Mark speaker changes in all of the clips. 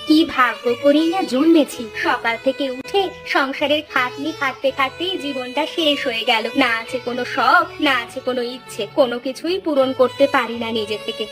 Speaker 1: কি ভাগ্য করেই না জন্মেছি, সকাল থেকে উঠে সংসারের খাটনি খাটতে খাটতেই জীবনটা শেষ হয়ে গেল। না আছে কোনো শখ, না আছে কোনো ইচ্ছে, কোনো কিছুই পূরণ করতে পারি না নিজে থেকে।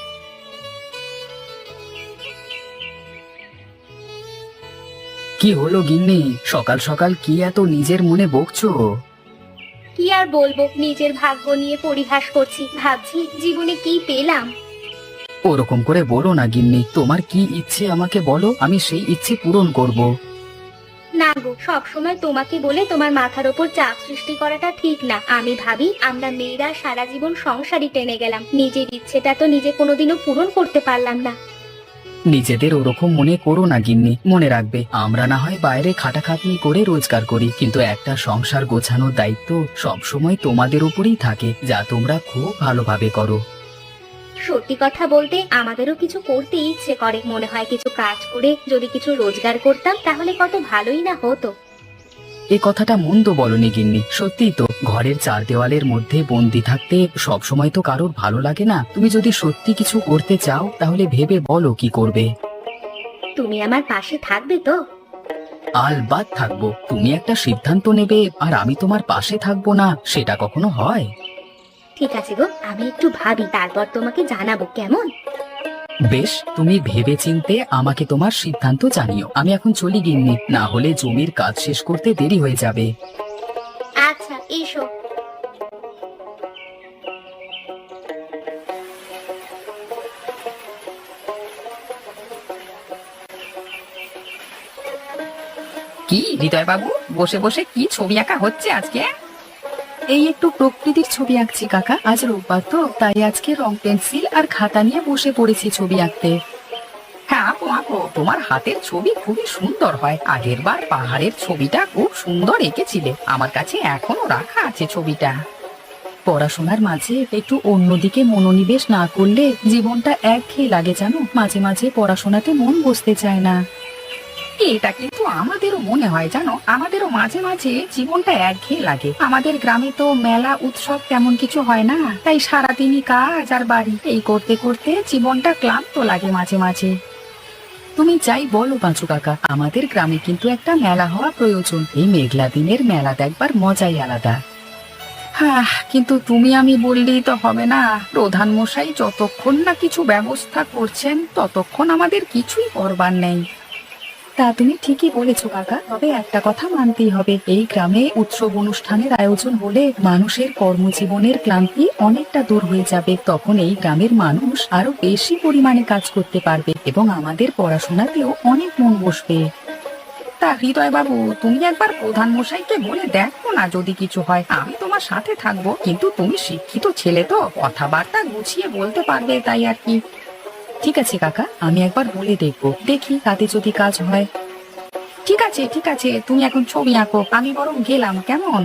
Speaker 2: কি হলো গিন্নি, সকাল সকাল কি এত নিজের মনে বকছো?
Speaker 1: কি আর বলবো, নিজের ভাগ্য নিয়ে পরিহাস করছি, ভাবছি জীবনে কি পেলাম।
Speaker 2: ওরকম করে বলো না গিন্নি, তোমার কি ইচ্ছে আমাকে বলো, আমি সেই ইচ্ছে পূরণ করব।
Speaker 1: না গো, সবসময় তোমাকে বলে তোমার মাথার ওপর চাপ সৃষ্টি করাটা ঠিক না। আমি ভাবি আমরা মেয়েরা সারা জীবন সংসারই টেনে গেলাম, নিজের ইচ্ছেটা তো নিজে কোনোদিনও পূরণ করতে পারলাম না।
Speaker 2: নিজেদের ওরকম মনে করো না গিন্নি, মনে রাখবে আমরা না হয় বাইরে খাটাখাটনি করে রোজগার করি, কিন্তু একটা সংসার গোছানোর দায়িত্ব সব সময় তোমাদের উপরেই থাকে, যা তোমরা খুব ভালোভাবে করো।
Speaker 1: সত্যি কথা বলতে আমাদেরও কিছু করতে ইচ্ছে করে, মনে হয় কিছু কাজ করে যদি কিছু রোজগার করতাম তাহলে কত ভালোই না হতো।
Speaker 2: এই কথাটা মন্দ বলনি গিন্নি, সত্যিই তো ঘরের চার দেওয়ালের মধ্যে বন্দি থাকতে সব সময় তো কারোর ভালো লাগে না। তুমি যদি সত্যি কিছু করতে চাও তাহলে ভেবে বলো কি করবে।
Speaker 1: তুমি আমার পাশে থাকবে তো?
Speaker 2: আলবাত থাকবো। তুমি একটা সিদ্ধান্ত নেবে আর আমি তোমার পাশে থাকবো না, সেটা কখনো হয়?
Speaker 1: ঠিক আছে গো, আমি একটু ভাবি, তারপর তোমাকে জানাবো, কেমন?
Speaker 2: বেশ, তুমি ভেবে চিনতে আমাকে তোমার সিদ্ধান্ত জানিও। আমি এখন চলি গিন্নি, না হলে জমির কাজ শেষ করতে দেরি হয়ে যাবে।
Speaker 1: আচ্ছা, এসো।
Speaker 3: কি হৃদয় বাবু, বসে বসে কি ছবি আঁকা হচ্ছে আজকে?
Speaker 2: এই একটু প্রকৃতির ছবি আঁকছি কাকা, আজ রোববার তো তাই আজকে রং পেন্সিল আর খাতা নিয়ে বসে পড়েছি ছবি আঁকতে।
Speaker 3: হ্যাঁ আঁকো আঁকো, তোমার হাতের ছবি খুবই সুন্দর হয়। আগের বার পাহাড়ের ছবিটা খুব সুন্দর এঁকেছিলে, আমার কাছে এখনো রাখা আছে ছবিটা।
Speaker 2: পড়াশোনার মাঝে একটু অন্যদিকে মনোনিবেশ না করলে জীবনটা একঘেয়ে লাগে জানো, মাঝে মাঝে পড়াশোনাতে মন বসতে চায় না।
Speaker 3: এটা কিন্তু আমাদেরও মনে হয় জানো, আমাদেরও মাঝে মাঝে জীবনটা একঘেয়ে লাগে। আমাদের গ্রামে তো মেলা উৎসব তেমন কিছু হয় না, তাই সারাদিনই কাজ আর বাড়ি, এই করতে করতে জীবনটা ক্লান্ত লাগে মাঝে মাঝে।
Speaker 2: তুমি যাই বলো পাঁচু কাকা, আমাদের গ্রামে কিন্তু একটা মেলা হওয়া প্রয়োজন। এই মেঘলা দিনের মেলা দেখবার মজাই আলাদা।
Speaker 3: হ্যাঁ, কিন্তু তুমি আমি বললেই তো হবে না। প্রধান মশাই যতক্ষণ না কিছু ব্যবস্থা করছেন ততক্ষণ আমাদের কিছুই করবার নেই।
Speaker 2: তা তুমি ঠিকই বলেছো কাকা, তবে একটা কথা মানতেই হবে, এই গ্রামে উৎসব অনুষ্ঠানের আয়োজন হলে মানুষের কর্মজীবনের ক্লান্তি অনেকটা দূর হয়ে যাবে। তখন এই গ্রামের মানুষ আরো বেশি পরিমাণে কাজ করতে পারবে এবং আমাদের পড়াশোনাতেও অনেক মন বসবে।
Speaker 3: তা হৃদয় বাবু, তুমি একবার প্রধান মশাইকে বলে দেখো না, যদি কিছু হয় আমি তোমার সাথে থাকবো। কিন্তু তুমি শিক্ষিত ছেলে তো, কথাবার্তা গুছিয়ে বলতে পারবে, তাই আর কি।
Speaker 2: ঠিক আছে কাকা, আমি একবার বলে দেখবো, দেখি তাতে যদি কাজ হয়।
Speaker 3: ঠিক আছে ঠিক আছে, তুমি এখন ছবি আঁকো, আমি বরং গেলাম, কেমন?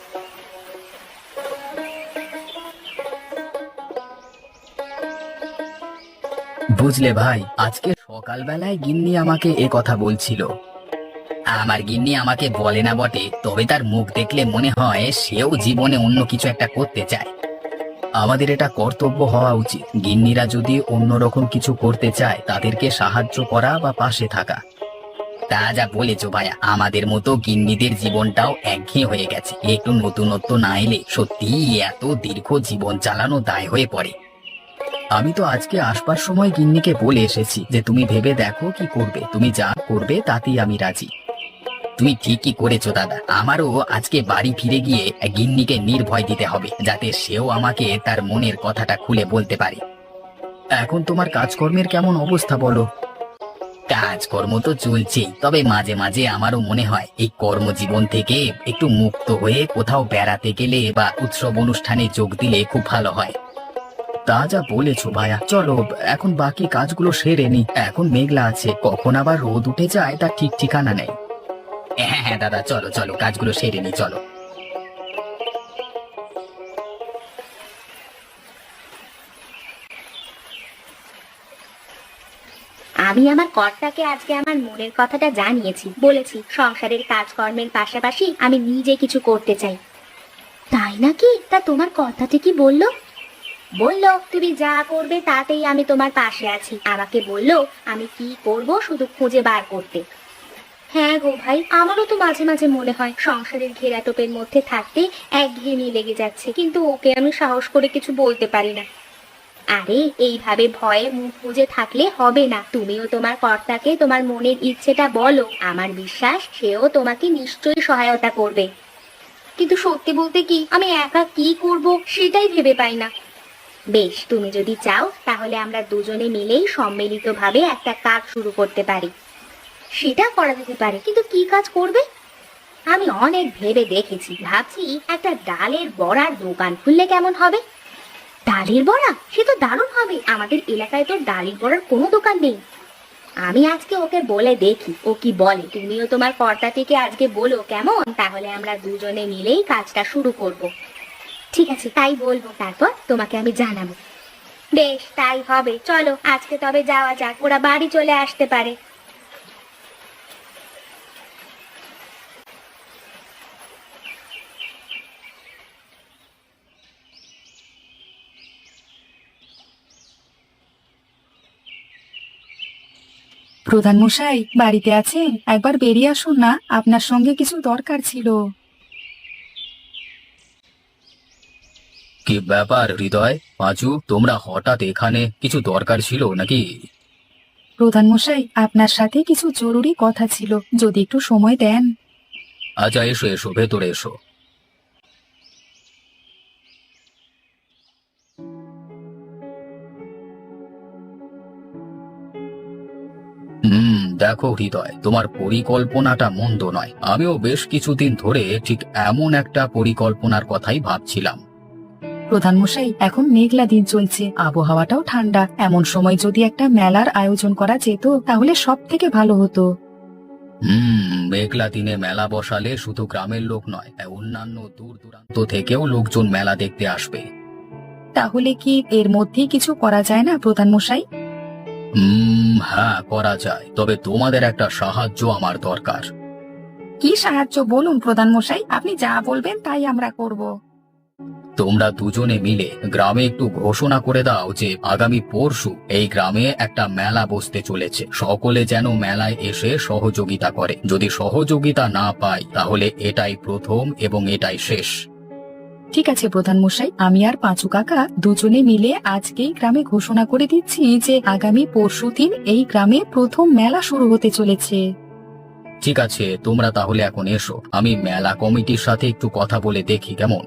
Speaker 2: বুঝলে ভাই, আজকে সকালবেলায় গিন্নি আমাকে এ কথা বলছিল। আমার গিন্নি আমাকে বলে না বটে, তবে তার মুখ দেখলে মনে হয় সেও জীবনে অন্য কিছু একটা করতে চায়। আমাদের এটা কর্তব্য হওয়া উচিত, গিন্নিরা যদি অন্যরকম কিছু করতে চায় তাদেরকে সাহায্য করা বা পাশে থাকা। তা যা বলেছো ভাইয়া, আমাদের মতো গিন্নিদের জীবনটাও একঘেয়ে হয়ে গেছে, একটু নতুনত্ব না এলে সত্যি এত দীর্ঘ জীবন চালানো দায় হয়ে পড়ে। আমি তো আজকে আসবার সময় গিন্নিকে বলে এসেছি যে তুমি ভেবে দেখো কি করবে, তুমি যা করবে তাতেই আমি রাজি। তুমি ঠিকই করেছো দাদা, আমারও আজকে বাড়ি ফিরে গিয়ে গিন্নিকে নির্ভয় দিতে হবে, যাতে সেও আমাকে তার মনের কথাটা খুলে বলতে পারে। এখন তোমার কাজকর্মের কেমন অবস্থা বলো? কাজকর্ম তো চলছেই, তবে মাঝে মাঝে আমারও মনে হয় এই কর্মজীবন থেকে একটু মুক্ত হয়ে কোথাও বেড়াতে গেলে বা উৎসব অনুষ্ঠানে যোগ দিলে খুব ভালো হয়। তা যা বলেছো ভাইয়া, চলো এখন বাকি কাজগুলো সেরে নি, এখন মেঘলা আছে, কখন আবার রোদ উঠে যায় তার ঠিক ঠিকানা নেই। হ্যাঁ হ্যাঁ দাদা, চলো চলো কাজগুলো সেরে নি, চলো।
Speaker 1: আমি আমার কর্তাকে আজকে আমার মনের কথাটা জানিয়েছি, বলেছি সংসারের কাজকর্মের পাশাপাশি আমি নিজে কিছু করতে চাই। তাই নাকি? তা তোমার কর্তা কি বললো? বললো তুমি যা করবে তাতেই আমি তোমার পাশে আছি। আমাকে বললো আমি কি করব শুধু খুঁজে বার করতে। হ্যাঁ গো ভাই, আমারও তো মাঝে মাঝে মনে হয় সংসারের ঘেরাটোপের মধ্যে থাকতে একঘেয়েমি লেগে যাচ্ছে, কিন্তু ওকে আমি সাহস করে কিছু বলতে পারি না। আরে এইভাবে ভয়ে মুখ বুজে থাকলে হবে না। তুমিও তোমার কর্তাকে তোমার মনের ইচ্ছেটা বলো, আমার বিশ্বাস সেও তোমাকে নিশ্চয়ই সহায়তা করবে। কিন্তু সত্যি বলতে কি, আমি একা কি করব সেটাই ভেবে পাই না। বেশ, তুমি যদি চাও তাহলে আমরা দুজনে মিলেই সম্মিলিতভাবে একটা কাজ শুরু করতে পারি। সেটা করা যেতে পারে, কিন্তু কি কাজ করবে? আমি অনেক ভেবে দেখেছি, ভাবছি একটা ডালের বড়ার দোকান খুললে কেমন হবে। ডালের বড়া? সে তো দারুণ হবে। আমাদের এলাকায় তো ডালের বড়ার কোনো দোকান নেই। আমি আজকে ওকে বলে দেখি ও কি বলে। তুমিও তোমার কর্তাটিকে আজকে বলো কেমন, তাহলে আমরা দুজনে মিলেই কাজটা শুরু করব। ঠিক আছে, তাই বলবো, তারপর তোমাকে আমি জানাবো। বেশ, তাই হবে। চলো আজকে তবে যাওয়া যাক, ওরা বাড়ি চলে আসতে পারে।
Speaker 3: প্রধান মশাই বাড়িতে আছেন? একবার বেরিয়ে আসুন না, আপনার সঙ্গে কিছু দরকার ছিল।
Speaker 2: কি ব্যাপার হৃদয়, পাঁচু, তোমরা হঠাৎ এখানে? কিছু দরকার ছিল নাকি?
Speaker 3: প্রধান মশাই, আপনার সাথে কিছু জরুরি কথা ছিল, যদি একটু সময় দেন।
Speaker 2: আচ্ছা, এসো এসো, ভেতরে এসো। দেখো হৃদয়, তোমার পরিকল্পনাটা মন্দ নয়। আমিও বেশ কিছুদিন ধরে ঠিক এমন একটা পরিকল্পনার কথাই ভাবছিলাম।
Speaker 3: প্রধান মশাই, এখন মেঘলা দিন চলছে, আবহাওয়াটাও ঠান্ডা। এমন সময় যদি একটা মেলার আয়োজন করা যেত তাহলে সব থেকে ভালো হতো।
Speaker 2: মেঘলা দিনে মেলা বসালে শুধু গ্রামের লোক নয়, অন্যান্য দূর দূরান্ত থেকেও লোকজন মেলা দেখতে আসবে।
Speaker 3: তাহলে কি এর মধ্যেই কিছু করা যায় না প্রধান মশাই?
Speaker 2: হ্যাঁ, করা যায়, তবে তোমাদের একটা সাহায্য আমার দরকার।
Speaker 3: কি সাহায্য বলুন প্রধান মশাই, আপনি যা বলবেন তাই আমরা করব।
Speaker 2: তোমরা দুজনে মিলে গ্রামে একটু ঘোষণা করে দাও যে আগামী পরশু এই গ্রামে একটা মেলা বসতে চলেছে। সকলে যেন মেলায় এসে সহযোগিতা করে। যদি সহযোগিতা না পাই তাহলে এটাই প্রথম এবং এটাই শেষ।
Speaker 3: ঠিক আছে প্রধান মশাই, আমি আর পাঁচু কাকা দুজনে মিলে আজকেই গ্রামে ঘোষণা করে দিচ্ছি যে আগামী পরশুদিন এই গ্রামে প্রথম মেলা শুরু হতে চলেছে।
Speaker 2: ঠিক আছে, তোমরা তাহলে এখন এসো, আমি মেলা কমিটির সাথে একটু কথা বলে দেখি কেমন।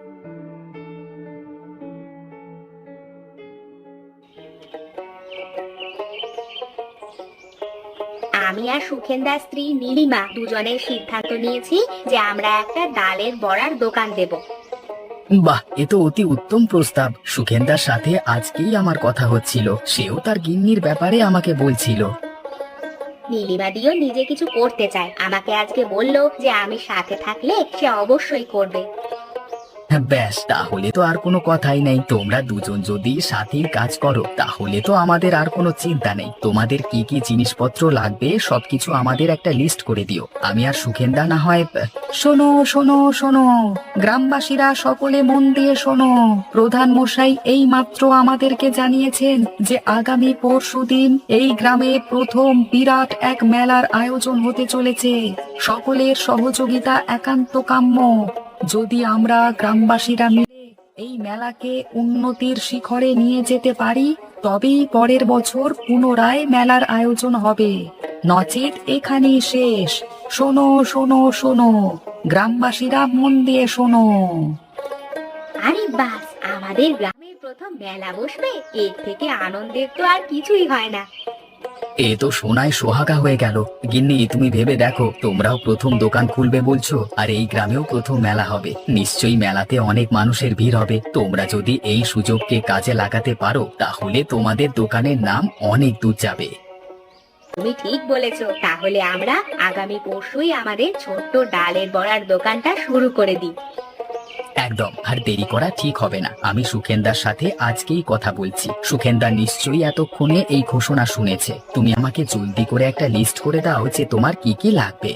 Speaker 1: আমি আর সুখেন্দার স্ত্রী নীলিমা দুজনের সিদ্ধান্ত নিয়েছি যে আমরা একটা ডালের বড়ার দোকান দেব।
Speaker 2: বাহ, এ তো অতি উত্তম প্রস্তাব। সুখেন্দার সাথে আজকেই আমার কথা হচ্ছিল, সেও তার গিন্নির ব্যাপারে আমাকে বলছিল।
Speaker 1: নীলিমা দিও নিজে কিছু করতে চায়, আমাকে আজকে বললো যে আমি সাথে থাকলে সে অবশ্যই করবে।
Speaker 2: ব্যাস, তাহলে তো আর কোনো কথাই নেই। তোমরা দুজন যদি সাথেই কাজ করো তাহলে তো আমাদের আর কোনো চিন্তা নেই। তোমাদের কি কি জিনিসপত্র লাগবে সবকিছু আমাদের একটা লিস্ট করে দিও। আমি আর সুখেন্দা না হয়
Speaker 3: শোনো শোনো শোনো, গ্রামবাসীরা সকলে মন দিয়ে শোনো। প্রধান মশাই এই মাত্র আমাদেরকে জানিয়েছেন যে আগামী পরশুদিন এই গ্রামে প্রথম বিরাট এক মেলার আয়োজন হতে চলেছে। সকলের সহযোগিতা একান্ত কাম্য। যদি আমরা গ্রামবাসীরা মিলে এই মেলাকে উন্নতির শিখরে নিয়ে যেতে পারি তবেই পরের বছর পুনরায় মেলার আয়োজন হবে, নচেত এখানেই শেষ। শোনো শোনো শোনো, গ্রামবাসীরা মন দিয়ে শোনো।
Speaker 1: আরে বাস, আমাদের গ্রামের প্রথম মেলা বসবে, এর থেকে আনন্দের তো আর কিছুই হয় না।
Speaker 2: এ তো সোনায় সোহাগা হয়ে গেল। গিন্নি, তুমি ভেবে দেখো, তোমরাও প্রথম দোকান খুলবে বলছো, আর এই গ্রামেও প্রথম মেলা হবে। নিশ্চয়ই মেলাতে অনেক মানুষের ভিড় হবে। তোমরা যদি এই সুযোগকে কাজে লাগাতে পারো তাহলে তোমাদের দোকানের নাম অনেক দূর যাবে।
Speaker 1: তুমি ঠিক বলেছো, তাহলে আমরা আগামী পরশুই আমাদের ছোট্ট ডালের বড়ার দোকানটা শুরু করে দিই।
Speaker 2: একদম, আর দেরি করা ঠিক হবে না। আমি সুখেন্দার সাথে আজকেই কথা বলছি। সুখেন্দা নিশ্চয়ই এতক্ষণে এই ঘোষণা শুনেছে। তুমি আমাকে জলদি করে একটা লিস্ট করে দাও যে তোমার কি কি লাগবে।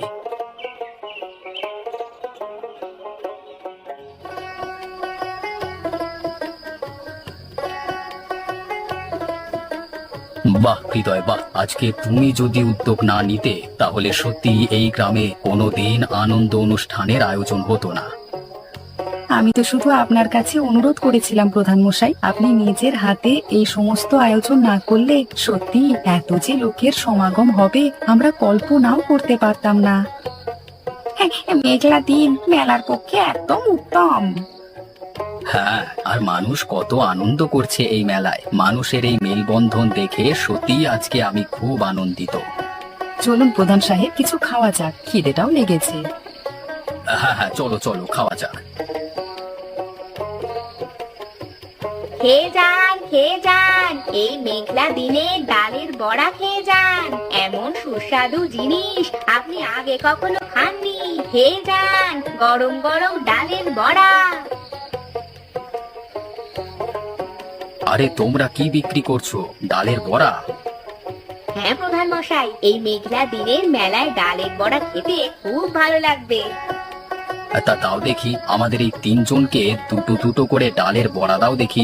Speaker 2: বাহ হৃদয় বাহ, আজকে তুমি যদি উদ্যোগ না নিতে তাহলে সত্যি এই গ্রামে কোনোদিন আনন্দ অনুষ্ঠানের আয়োজন হতো না।
Speaker 3: আমি তো শুধু আপনার কাছে অনুরোধ করেছিলাম প্রধান মশাই, আপনি নিজের হাতে এই সমস্ত আয়োজন না করলে সত্যি এত যে লোকের সমাগম হবে আমরা কল্পনাও করতে পারতাম না। মেঘলা দিন মেলার পক্ষে একদম উত্তম।
Speaker 2: হ্যাঁ, আর মানুষ কত আনন্দ করছে এই মেলায়, মানুষের এই মেলবন্ধন দেখে সত্যি আজকে আমি খুব আনন্দিত।
Speaker 3: চলুন প্রধান সাহেব, কিছু খাওয়া যাক, খিদেটাও লেগেছে।
Speaker 2: হ্যাঁ হ্যাঁ, চলো চলো খাওয়া যাক।
Speaker 1: খেয়ে যান খেয়ে যান, এই মেঘলা দিনে ডালের বড়া খেয়ে যান। এমন সুস্বাদু জিনিস আপনি আগে কখনো খাননি। খেয়ে যান গরম গরম ডালের বড়া।
Speaker 2: আরে তোমরা কি বিক্রি করছো? ডালের বড়া?
Speaker 1: হ্যাঁ প্রধান মশাই, এই মেঘলা দিনের মেলায় ডালের বড়া খেতে খুব ভালো লাগবে।
Speaker 2: তা দাও দেখি, আমাদের এই তিনজনকে দুটো দুটো করে ডালের বড়া দাও দেখি।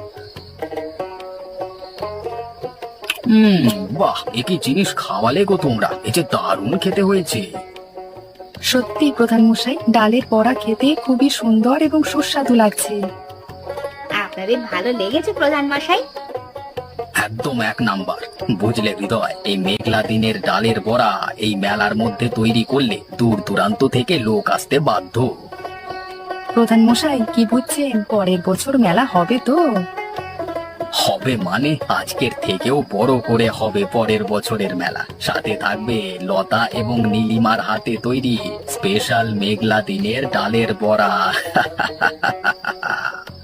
Speaker 2: বাহ, এ কি জিনিস খাওয়ালে গো তোমরা, এ যে দারুণ খেতে হয়েছে।
Speaker 3: সত্যি প্রধান মশাই, ডালের বড়া খেতে খুবই সুন্দর এবং সুস্বাদু লাগছে।
Speaker 1: আপনাদের ভালো লেগেছে প্রধান মশাই?
Speaker 2: একদম এক নাম্বার। বুঝলে হৃদয়, এই মেঘলা দিনের ডালের বড়া এই মেলার মধ্যে তৈরি করলে দূর দূরান্ত থেকে লোক আসতে বাধ্য।
Speaker 3: প্রধান মশাই কি বুঝছেন, পরের বছর মেলা হবে তো?
Speaker 2: হবে মানে আজকের থেকেও বড় করে হবে পরের বছরের মেলা। সাথে থাকবে লতা এবং নীলিমার হাতে তৈরি স্পেশাল মেঘলা দিনের ডালের বড়া।